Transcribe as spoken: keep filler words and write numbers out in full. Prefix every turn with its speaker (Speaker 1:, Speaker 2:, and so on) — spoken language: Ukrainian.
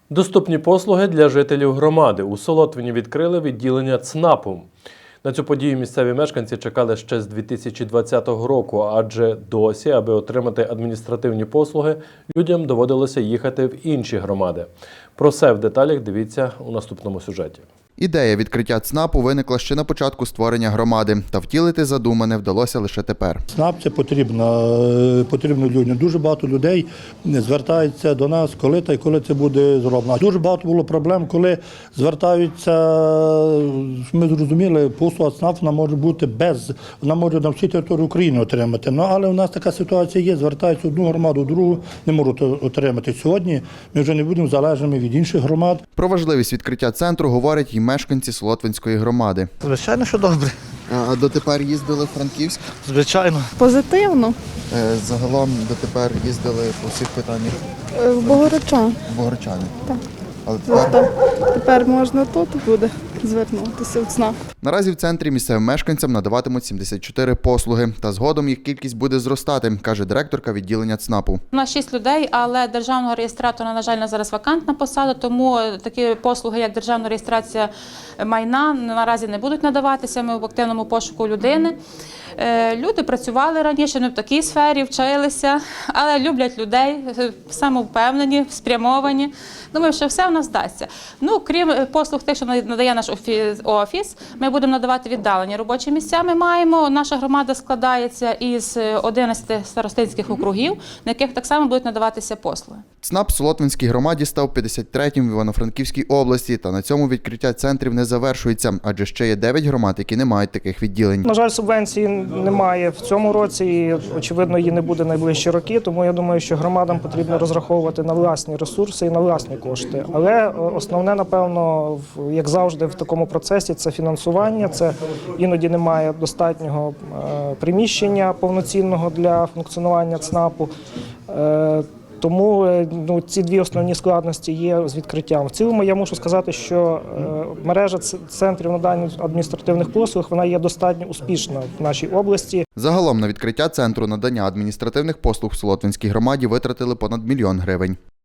Speaker 1: Доступні послуги для жителів громади. У Солотвині відкрили відділення ЦНАПу. На цю подію місцеві мешканці чекали ще з дві тисячі двадцятого року, адже досі, аби отримати адміністративні послуги, людям доводилося їхати в інші громади. Про все в деталях дивіться у наступному сюжеті.
Speaker 2: Ідея відкриття ЦНАПу виникла ще на початку створення громади, та втілити задумане вдалося лише тепер.
Speaker 3: ЦНАП – це потрібно, потрібно людям. Дуже багато людей звертаються до нас, коли та й коли це буде зроблено. Дуже багато було проблем, коли звертаються, ми зрозуміли, послуга ЦНАП вона може бути без, вона може на всій території України отримати. Ну, але у нас така ситуація є, звертаються одну громаду, другу не можуть отримати. Сьогодні ми вже не будемо залежними від інших громад.
Speaker 2: Про важливість відкриття центру говорять і мешканці Солотвинської громади.
Speaker 4: Звичайно, що добре.
Speaker 2: А дотепер їздили в Франківськ?
Speaker 4: Звичайно.
Speaker 5: Позитивно.
Speaker 2: Загалом дотепер їздили по всіх питаннях
Speaker 5: В Богородчан.
Speaker 2: в Богородчани.
Speaker 5: Так.
Speaker 2: Але тепер...
Speaker 5: Тепер можна тут буде звернутися в ЦНАП.
Speaker 2: Наразі в центрі місцевим мешканцям надаватимуть сімдесят чотири послуги. Та згодом їх кількість буде зростати, каже директорка відділення ЦНАПу.
Speaker 6: У нас шість людей, але державного реєстратора, на жаль, на зараз вакантна посада, тому такі послуги, як державна реєстрація майна, наразі не будуть надаватися. Ми в активному пошуку людини. Люди працювали раніше, не в такій сфері, вчилися, але люблять людей, самовпевнені, спрямовані. Думаю, що все в нас вдасться. Ну, крім послуг тих, що надає наш офіс, ми будемо надавати віддалені робочі місця. Ми маємо. Наша громада складається із одинадцяти старостинських округів, на яких так само будуть надаватися послуги.
Speaker 2: ЦНАП в Солотвинській громаді став п'ятдесят третім в Івано-Франківській області, та на цьому відкриття центрів не завершується, адже ще є дев'ять громад, які не мають таких відділень.
Speaker 7: На жаль, субвенції немає в цьому році і, очевидно, її не буде найближчі роки, тому я думаю, що громадам потрібно розраховувати на власні ресурси і на власні кошти. Але основне, напевно, як завжди в такому процесі, це фінансування, це іноді немає достатнього приміщення повноцінного для функціонування ЦНАПу. Тому ну, ці дві основні складності є з відкриттям. В цілому я мушу сказати, що е, мережа центрів надання адміністративних послуг вона є достатньо успішна в нашій області.
Speaker 2: Загалом на відкриття центру надання адміністративних послуг в Солотвинській громаді витратили понад мільйон гривень.